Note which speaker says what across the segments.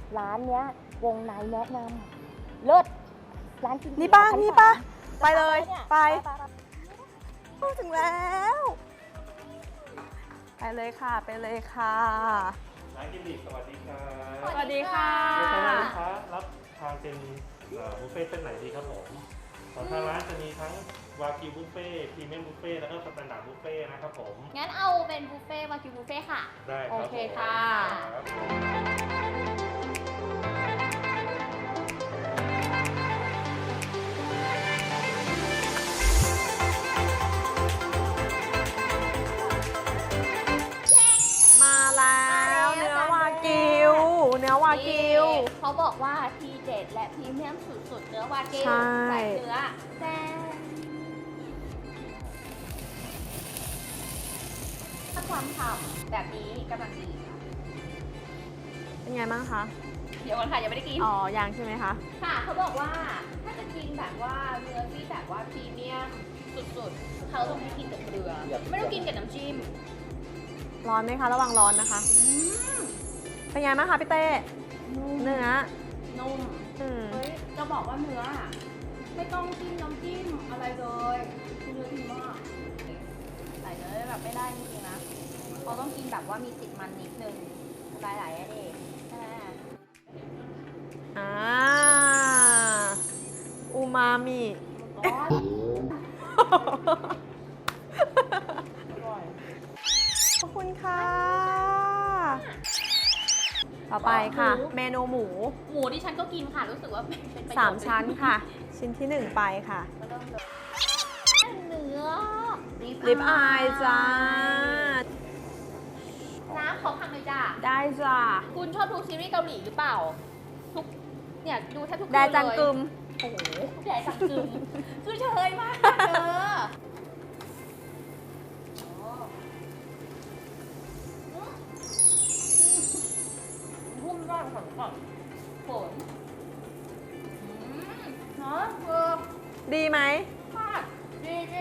Speaker 1: ร้านเนี้ยวงในแนะนำเลิศร้านกิน
Speaker 2: นี่ป่ะ
Speaker 1: ชั้
Speaker 2: นี่ป่ะ
Speaker 1: 3
Speaker 2: ไปเลย
Speaker 1: นี่
Speaker 2: ไปถึงแล้ว ไปเลยค่ะ ไปเลยค่ะ
Speaker 3: ร้านกิมดิสวัสดีครับ
Speaker 2: สวัสดีค่ะ
Speaker 3: ลูกค้ารับทานเป็นบุฟเฟ่ต์เส้นไหนดีครับผมของทางร้านจะมีทั้งวากิวบุฟเฟ่ต์พรีเมียมบุฟเฟ่ต์แล้วก็สแตนดาร์ดบุฟเฟ่ต์นะครับผม
Speaker 1: งั้นเอาเป็นบุฟเฟ่วากิวบุฟเฟ่ค่ะ
Speaker 3: ได้ครับ
Speaker 1: โอเคค่ะ
Speaker 3: ครับ
Speaker 2: มาแล้วเนื้อวากิว เนื้อวากิว
Speaker 1: เขาบอกว่าทีเด็ดและพรีเมียมสุดๆเนื้อวากิว
Speaker 2: ใช่
Speaker 1: ใส่เนื้อแซ่บถ้าความฉ่ำแบบนี้กำลังดีค่ะ
Speaker 2: เป็นไงบ้างคะ
Speaker 1: เดี๋ยวก่อนค่ะยังไม่ได้กิน
Speaker 2: อ๋อ ยังใช่ไหมคะ
Speaker 1: ค่ะเขาบอกว่าถ้าจะกินแบบว่าเนื้อที่แบบว่าพรีเมียมสุดๆเขาต้องให้กินกับเกลือ ไม่ต้องกินกับน้ำจิ้ม
Speaker 2: ร้อนไหมคะ ระวังร้อนนะคะ เป็นไงบ้างคะพี่เต้ เนื้อ
Speaker 1: นุ่ม
Speaker 2: อืม
Speaker 1: เฮ้ยจะบอกว่าเนื้ออะไม่ต้องจิ้มน้ำจิ้มอะไรเลยคือเนื้อดีมากใส่เนื้อแบบไม่ได้จริงๆนะเขาต้องกินแบบว่ามีติดมันนิดนึงหลายๆอันเองใช่ไหม
Speaker 2: อ่า อูมามิ
Speaker 1: อ๋ออร่อย
Speaker 2: ขอบคุณค่ะ ต่อไปค่ะ เมนูหมู
Speaker 1: หมูที่ฉันก็กินค่ะ รู้สึกว่าเป็นประโยชน์
Speaker 2: 3 ชั้นค่ะ ชิ้นที่ 1 ไปค่ะ
Speaker 1: ก็เริ่มเลยเนื้อ
Speaker 2: ลิปอายจ้า
Speaker 1: น้ำขอพังเลยจ้า
Speaker 2: ได้จ้า
Speaker 1: คุณชอบดูซีรีส์เกาหลีหรือเปล่า ทุก เนี่ยดูแทบทุกคืน
Speaker 2: แด
Speaker 1: เลย
Speaker 2: จังกึม
Speaker 1: โอ้โหแดจังกึม คือเชยมากเธอหุ้มร่างของก่อนฝนเนาะเออ
Speaker 2: ดีไหม
Speaker 1: มากดีดิ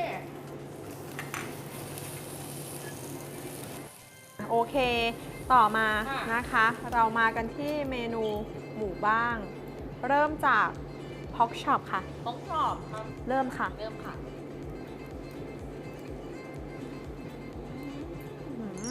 Speaker 2: โอเค ต่อมา
Speaker 1: ค่ะ
Speaker 2: นะคะ เรามากันที่เมนูหมูบ้าง เริ่มจากพ็อกช็อปค่ะ
Speaker 1: ต้องกรอบครับ
Speaker 2: เริ่มค่ะ
Speaker 1: เริ่มค่ะ
Speaker 2: อืม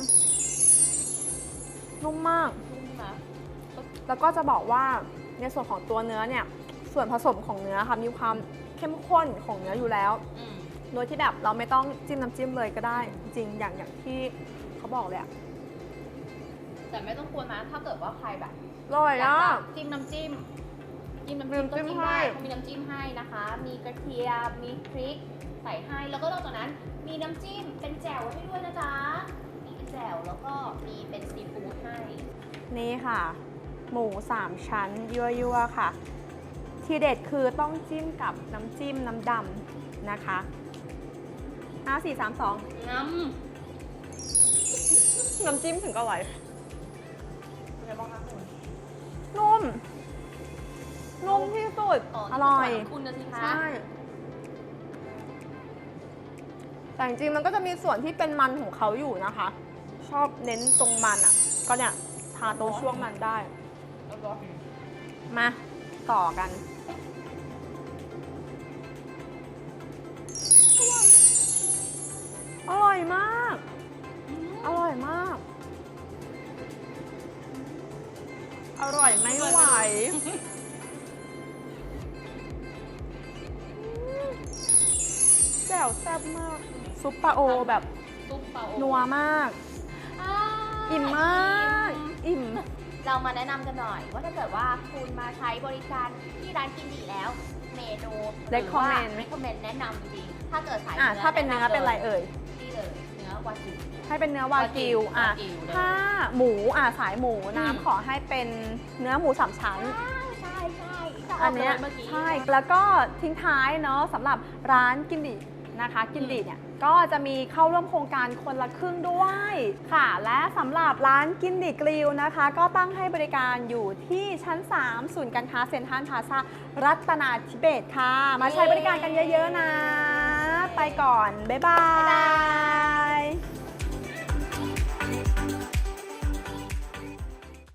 Speaker 2: นุ่มมาก
Speaker 1: นุ่มนะ
Speaker 2: แล้วก็จะบอกว่าในส่วนของตัวเนื้อเนี่ย ส่วนผสมของเนื้อค่ะ มีความเข้มข้นของเนื้ออยู่แล้ว
Speaker 1: อืม
Speaker 2: โดยที่แบบเราไม่ต้องจิ้มน้ำจิ้มเลยก็ได้ จริงๆอย่างที่เขาบอกเลยอะ
Speaker 1: แต่ไม่ต้องกลัวนะถ้าเกิดว่าใครแบบ
Speaker 2: อร่อย
Speaker 1: อยาก
Speaker 2: อ่ะ
Speaker 1: จะจิ้มน้ำจิ้มก็
Speaker 2: มีน้ำจิ้
Speaker 1: จิ้
Speaker 2: ม
Speaker 1: ม
Speaker 2: ให้
Speaker 1: ได้เขามีน้ำจิ้มให้นะคะ มีกระเทียม มีพริกใส่ให้ แล้วก็นอกจากนั้นมีน้ำจิ้มเป็นแจ่วให้ด้วยนะจ๊ะ มีเป็นแจ่วแล้วก็มีเป็นซีฟู้ดให้
Speaker 2: นี่ค่ะ หมู 3 ชั้นยั่วๆค่ะ ทีเด็ดคือต้องจิ้มกับน้ำจิ้มน้ำดำนะคะ5 4 3 2
Speaker 1: น้
Speaker 2: น้ำจิ้มถึงก็อร่อย
Speaker 1: ำเป็นไงบ้างคะคุณ
Speaker 2: นุ่ม นุ่มที่สุด อร่อย
Speaker 1: คุณนะสิคะ
Speaker 2: ใช่ แต่จริงๆมันก็จะมีส่วนที่เป็นมันของเขาอยู่นะคะ ชอบเน้นตรงมันอ่ะ ก็เนี่ยทาตรงช่วงมันได้
Speaker 1: แล้วก็
Speaker 2: มาต่อกัน อร่อยมาก อร่อยมาก อร่อยไม่ไหวแจ่วแซ่บมาก ซุปปลาโอแบบ
Speaker 1: ซุปเปา
Speaker 2: นัวมาก อิ่มมาก อิ่ม
Speaker 1: เรามาแนะนำกันหน่อย ว่าถ้าเกิดว่าคุณมาใช้บริการที่ร้านกินดีแล้ว เมนู
Speaker 2: Recommend
Speaker 1: recommend แนะนำจริงๆถ้าเกิดสาย
Speaker 2: ถ้าเป็นเนื้อเป็นอะไรเอ่ย
Speaker 1: นี่เลยเนื้อวากิว
Speaker 2: ให้เป็นเนื้อวากิว
Speaker 1: วากิวเลย
Speaker 2: ถ้าหมูสายหมู
Speaker 1: อืม
Speaker 2: น้ำขอให้เป็นเนื้อหมู3 ชั้น
Speaker 1: ใช่ใช่
Speaker 2: อันเนี้ย
Speaker 1: เมื่อกี้
Speaker 2: ใช่ แล้วก็ทิ้งท้ายเนาะสำหรับร้านกินดีนะคะ กินดีเนี่ยก็จะมีเข้าร่วมโครงการคนละครึ่งด้วยค่ะ และสำหรับร้านกินดีกริลนะคะ ก็ตั้งให้บริการอยู่ที่ชั้น 3 ศูนย์การค้าเซ็นทรัลพลาซารัตนาธิเบศรค่ะ มาใช้บริการกันเยอะๆนะ ไปก่อน บ๊ายบาย